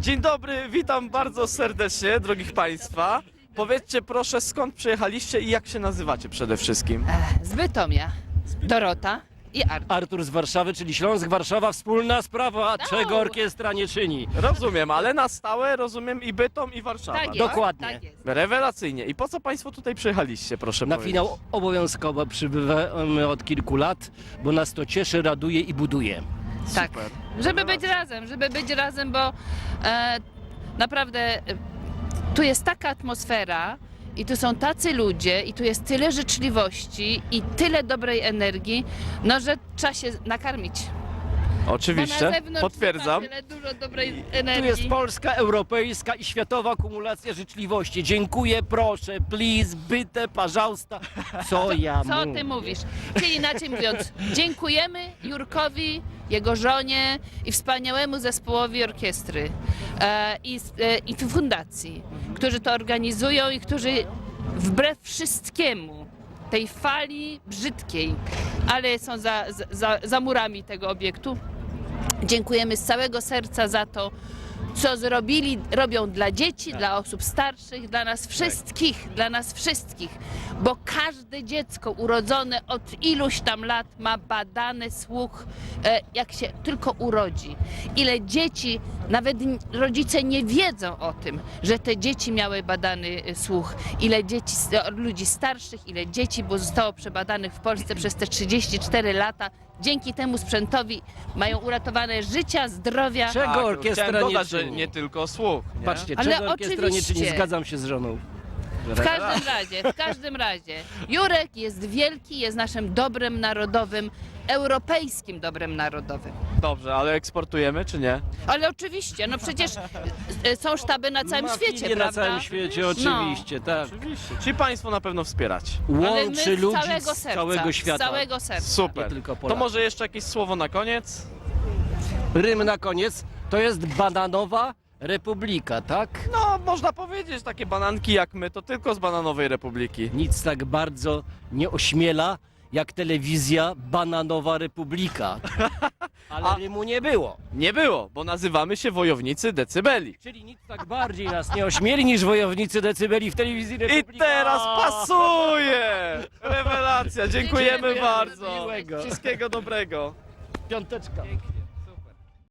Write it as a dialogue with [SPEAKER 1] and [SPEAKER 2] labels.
[SPEAKER 1] Dzień dobry, witam bardzo serdecznie, drogich Państwa. Powiedzcie proszę, skąd przyjechaliście i jak się nazywacie przede wszystkim?
[SPEAKER 2] Z Bytomia. Dorota i Artur.
[SPEAKER 3] Artur z Warszawy, czyli Śląsk-Warszawa, wspólna sprawa, czego orkiestra nie czyni.
[SPEAKER 1] Rozumiem, ale na stałe rozumiem i Bytom, i Warszawa.
[SPEAKER 2] Tak jest,
[SPEAKER 3] Dokładnie.
[SPEAKER 2] tak jest.
[SPEAKER 1] Rewelacyjnie. I po co Państwo tutaj przyjechaliście, proszę
[SPEAKER 3] Na
[SPEAKER 1] powiedzieć?
[SPEAKER 3] finał obowiązkowo przybywamy od kilku lat, bo nas to cieszy, raduje i buduje.
[SPEAKER 2] Tak,
[SPEAKER 1] Super.
[SPEAKER 2] żeby być razem, bo naprawdę tu jest taka atmosfera i tu są tacy ludzie i tu jest tyle życzliwości i tyle dobrej energii, no że trzeba się nakarmić. Bo na
[SPEAKER 1] Oczywiście,
[SPEAKER 2] zewnątrz
[SPEAKER 1] potwierdzam.
[SPEAKER 2] nie ma tyle dużo dobrej
[SPEAKER 3] Tu
[SPEAKER 2] energii.
[SPEAKER 3] jest polska, europejska i światowa kumulacja życzliwości. Dziękuję, proszę, please, byte, pожалуйста. Co ja
[SPEAKER 2] Co
[SPEAKER 3] mówię?
[SPEAKER 2] ty mówisz? Czyli inaczej mówiąc, dziękujemy Jurkowi, jego żonie i wspaniałemu zespołowi orkiestry i fundacji, którzy to organizują i którzy wbrew wszystkiemu, tej fali brzydkiej, ale są za murami tego obiektu, dziękujemy z całego serca za to, co robią dla dzieci, dla osób starszych, dla nas wszystkich, bo każde dziecko urodzone od iluś tam lat ma badany słuch, jak się tylko urodzi. Ile dzieci, nawet rodzice nie wiedzą o tym, że te dzieci miały badany słuch. Ile dzieci, ludzi starszych, ile dzieci zostało przebadanych w Polsce przez te 34 lata. Dzięki temu sprzętowi mają uratowane życia, zdrowia.
[SPEAKER 3] Czego
[SPEAKER 1] Tak,
[SPEAKER 3] orkiestra
[SPEAKER 1] chciałem
[SPEAKER 3] nie
[SPEAKER 1] dodać, że
[SPEAKER 3] czyni?
[SPEAKER 1] nie tylko słuch. Nie?
[SPEAKER 3] Patrzcie,
[SPEAKER 2] Ale
[SPEAKER 3] czego orkiestra nie czyni,
[SPEAKER 2] oczywiście.
[SPEAKER 3] zgadzam się z żoną.
[SPEAKER 2] W każdym razie, Jurek jest wielki, jest naszym dobrem narodowym, europejskim dobrem narodowym.
[SPEAKER 1] Dobrze, ale eksportujemy czy nie?
[SPEAKER 2] Ale oczywiście, no przecież są sztaby na całym
[SPEAKER 3] Ma
[SPEAKER 2] świecie,
[SPEAKER 3] filię
[SPEAKER 2] prawda?
[SPEAKER 3] na całym świecie, oczywiście, tak.
[SPEAKER 1] Oczywiście. Czyli Państwo na pewno wspieracie.
[SPEAKER 2] Ale my
[SPEAKER 3] Łączy
[SPEAKER 2] z
[SPEAKER 3] ludzi
[SPEAKER 2] całego
[SPEAKER 3] z
[SPEAKER 2] serca,
[SPEAKER 3] całego świata.
[SPEAKER 2] Z całego serca.
[SPEAKER 1] Super.
[SPEAKER 3] Nie tylko
[SPEAKER 1] To
[SPEAKER 3] Polacy.
[SPEAKER 1] może jeszcze jakieś słowo na koniec?
[SPEAKER 3] Rym na koniec, to jest bananowa republika, tak?
[SPEAKER 1] No, można powiedzieć, takie bananki jak my, to tylko z Bananowej Republiki.
[SPEAKER 3] Nic tak bardzo nie ośmiela, jak telewizja Bananowa Republika. Ale rymu nie było.
[SPEAKER 1] Nie było, bo nazywamy się Wojownicy Decybeli.
[SPEAKER 3] Czyli nic tak bardziej nas nie ośmieli niż wojownicy decybeli w telewizji
[SPEAKER 1] I
[SPEAKER 3] Republika.
[SPEAKER 1] teraz pasuje! Rewelacja, dziękujemy
[SPEAKER 2] Dziękujemy
[SPEAKER 1] bardzo.
[SPEAKER 3] Miłego.
[SPEAKER 1] Wszystkiego dobrego.
[SPEAKER 3] Piąteczka.